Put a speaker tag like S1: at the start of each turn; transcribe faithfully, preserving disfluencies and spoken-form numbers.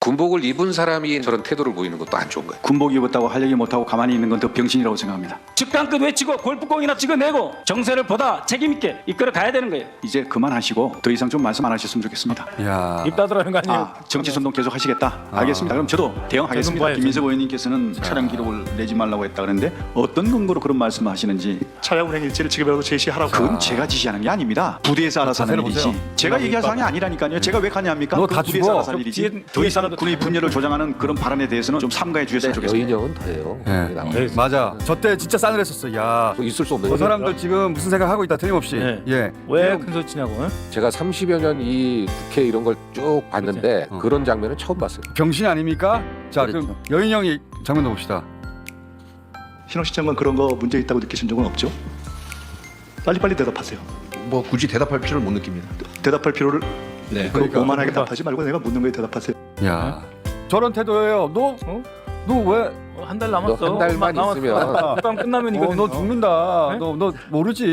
S1: 군복을 입은 사람이 저런 태도를 보이는 것도 안 좋은 거예요.
S2: 군복 입었다고 할 얘기 못하고 가만히 있는 건 더 병신이라고 생각합니다.
S3: 직강끝 외치고 골프공이나 찍어내고 정세를 보다 책임있게 이끌어 가야 되는 거예요.
S2: 이제 그만하시고 더 이상 좀 말씀 안 하셨으면 좋겠습니다.
S4: 야.
S3: 입 닫으라는 거 아니에요?
S2: 아, 정치 선동 계속 하시겠다. 알겠습니다. 그럼 저도 대응하겠습니다.
S3: 봐야죠.
S2: 김민석 의원님께서는 차량 기록을 내지 말라고 했다 그랬는데 어떤 근거로 그런 말씀을 하시는지
S5: 차량 운행 일지를 지급이라도 제시하라고.
S2: 그건 제가 지시하는 게 아닙니다. 부대에서 알아서 하는
S4: 자세를
S2: 일이지.
S4: 보세요.
S2: 제가 얘기할 사항이 아니라니까요. 제가 왜 가냐합니까?
S4: 너
S2: 그
S4: 다
S2: 부대에서
S4: 죽어.
S2: 알아서 할
S3: 저
S2: 일이지.
S3: 뒤에-
S2: 더 이상
S3: 뒤에
S2: 군의 분열을 조장하는 그런 발언에 대해서는 좀 삼가해 주셨으면 좋겠습니다.
S6: 여인형은 더해요.
S4: 예.
S6: 나와요.
S4: 맞아. 저 때 진짜 싸늘했었어. 야.
S6: 뭐 있을 수 없는
S4: 저
S6: 거죠.
S4: 사람들 지금 무슨 생각하고 있다 틀림없이.
S3: 네.
S4: 예.
S3: 왜 큰 소리 치냐고? 어?
S6: 제가 삼십여 년 이 국회 이런 걸 쭉 봤는데
S4: 어.
S6: 그런 장면은 처음 봤어요.
S4: 병신 아닙니까? 자,
S6: 그렇죠.
S4: 그럼 여인 형이 장면 봅시다.
S5: 신호 시장관 그런 거 문제 있다고 느끼신 적은 없죠? 빨리빨리 대답하세요.
S7: 뭐 굳이 대답할 필요를 못 느낍니다.
S5: 대답할 필요를
S7: 네.
S5: 그
S4: 그러니까.
S5: 오만하게 답하지 말고 내가 묻는 거에 대답하세요.
S4: 야. 저런 태도예요. 너
S3: 어?
S4: 너 왜?
S3: 한 달 남았어.
S6: 너 한 달만
S3: 남았어.
S6: 있으면.
S3: 국감 끝나면
S4: 어,
S3: 이거든요.
S4: 너 죽는다.
S3: 네?
S4: 너 너 모르지.